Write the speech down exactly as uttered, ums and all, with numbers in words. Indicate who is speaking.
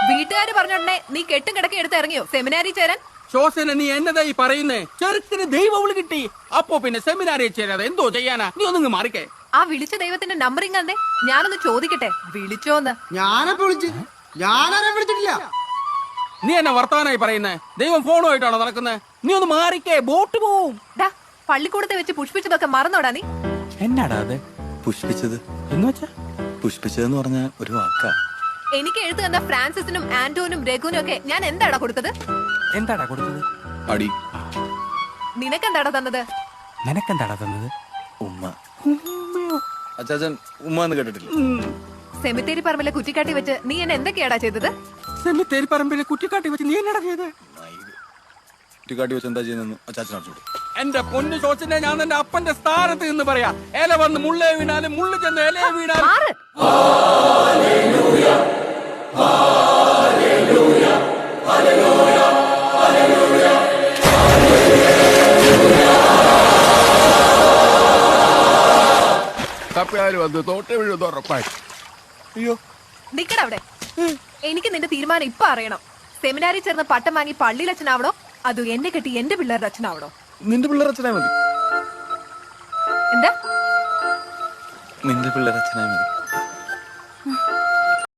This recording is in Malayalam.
Speaker 1: വീട്ടുകാര് പറഞ്ഞോടനെ നീ കെട്ടും കിടക്കി എടുത്ത് ഇറങ്ങിയോ സെമിനാരി ചേരാൻ?
Speaker 2: ശോസന, നീ എന്നതായി പറയുന്നേ? ചെറുത്തിന് ദൈവവിളി കിട്ടി, അപ്പോ പിന്നെ സെമിനാറിൽ ചേരാതെ എന്തോ ചെയ്യാനാ? നീ ഒന്നിങ്ങ് മാറിക്കേ.
Speaker 1: ആ വിളിച്ച ദൈവത്തിന്റെ നമ്പർ ഇങ്ങന്നെ, ഞാനൊന്ന് ചോദിക്കട്ടെ, വിളിച്ചോന്ന്?
Speaker 3: ഞാനപ്പോ വിളിച്ചു, ഞാനാരെ വിളിച്ചിട്ടില്ല.
Speaker 2: നീ എന്നെ വർത്തമാനായി പറയുന്നേ? ദൈവം ഫോണുമായിട്ടാണോ നടക്കുന്നത്? നീ ഒന്ന് മാറിക്കേ, ബോട്ട് പോവും.
Speaker 1: ഡാ, പള്ളിക്കൂടത്തെ വെച്ച് പുഷ്പിച്ചതൊക്കെ മറന്നോടാ നീ?
Speaker 4: എന്നാടാ അത് പുഷ്പിച്ചത് എന്ന് വെച്ചാ? പുഷ്പിച്ചതെന്ന് പറഞ്ഞ ഒരു വാക്കാ.
Speaker 1: എനിക്ക് എഴുത്ത് തന്ന ഫ്രാൻസിസിനും ആന്റോനും രഘുവിനും ഒക്കെ ഞാൻ എന്താടാ കൊടുത്തത്?
Speaker 4: എന്താടാ കൊടുത്തത്?
Speaker 5: അടി.
Speaker 1: നിനക്കെന്താടാ തന്നത്?
Speaker 4: നിനക്കെന്താടാ തന്നത്?
Speaker 5: ഉമ്മ. അച്ചാച്ചൻ ഉമ്മ എന്ന് കേട്ടിട്ടില്ല?
Speaker 1: സെമിത്തേരി പറമ്പിലെ കുറ്റിക്കാട്ടി വെച്ച് നീ എന്നെ എന്തൊക്കെയാടാ ചെയ്തത്?
Speaker 2: സെമിത്തേരി പറമ്പിലെ കുറ്റിക്കാട്ടി വെച്ച് നീ എന്നടാ ചെയ്തത്?
Speaker 5: കുറ്റിക്കാട്ടി വെച്ച് എന്താ ചെയ്യുന്നു അച്ചാച്ചൻ അറിഞ്ഞു.
Speaker 2: എന്റെ പൊന്നു ശോച്ചനെ, ഞാൻ എന്റെ അപ്പന്റെ സ്ഥാനത്ത് നിന്ന് പറയാ. ഇല വന്ന് മുള്ളേ വീണാലും മുള്ളു ചെന്ന് ഇലയെ വീണാലും
Speaker 1: മാറ്.
Speaker 2: തപ്പിയാലും വന്ന് തോട്ടെ വീഴുന്ന ഉറപ്പായി.
Speaker 5: അയ്യോ,
Speaker 1: നിക്കട അവിടെ. എനിക്ക് നിന്റെ തീരുമാനം ഇപ്പൊ അറിയണം. സെമിനാരിൽ ചേർന്ന് പട്ടം വാങ്ങി പള്ളിയിൽ അച്ഛനാവണോ അതോ എന്നെ കെട്ടി എന്റെ പിള്ളേരുടെ അച്ഛനാവണോ?
Speaker 5: നിന്റെ പിള്ളേർ അച്ഛനാ മതി.
Speaker 1: എന്താ?
Speaker 5: നിന്റെ പിള്ളേർ അച്ഛനാ മതി.